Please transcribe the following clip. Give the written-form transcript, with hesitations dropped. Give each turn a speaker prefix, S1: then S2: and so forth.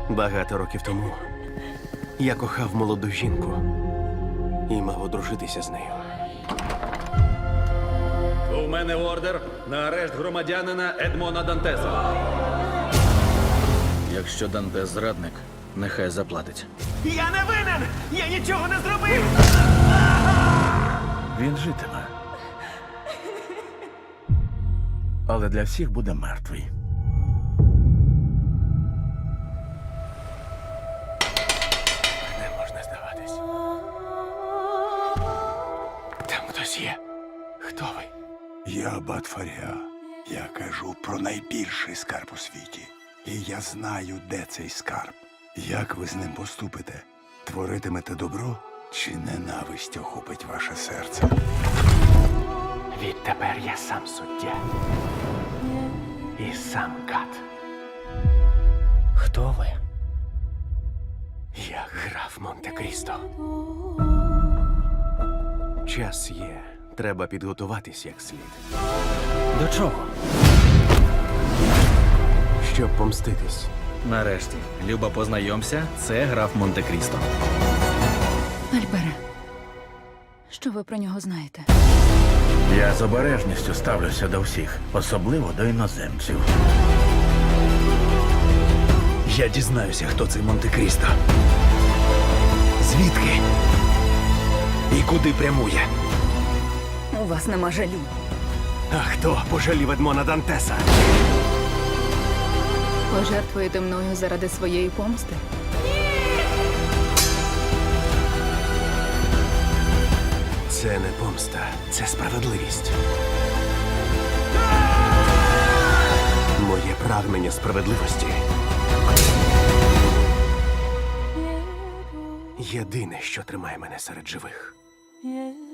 S1: Багато років тому я кохав молоду жінку і мав одружитися з нею.
S2: У мене ордер на арешт громадянина Едмона Дантеса. Якщо Дантес зрадник, нехай заплатить.
S1: Я не винен! Я нічого не зробив!
S3: Він житиме. Але для всіх буде мертвий.
S1: Не можна здаватись. Там хтось є. Хто ви?
S4: Я Батфаря. Я кажу про найбільший скарб у світі. І я знаю, де цей скарб. Як ви з ним поступите? Творитимете добро чи ненависть охопить ваше серце?
S1: Відтепер я сам суддя. І сам кат. Хто ви? Я граф Монте-Крісто. Час є. Треба підготуватись як слід.
S2: До чого?
S1: Щоб помститись.
S2: Нарешті, Люба, познайомся, це граф Монте-Крісто.
S5: Альбере, що ви про нього знаєте?
S3: Я з обережністю ставлюся до всіх, особливо до іноземців.
S1: Я дізнаюся, хто цей Монте-Крісто. Звідки? І куди прямує?
S5: У вас нема жалю.
S1: А хто пожалів Едмона Дантеса?
S5: Пожертвуєте мною заради своєї помсти?
S1: Це не помста, це справедливість. Моє прагнення справедливості єдине, що тримає мене серед живих.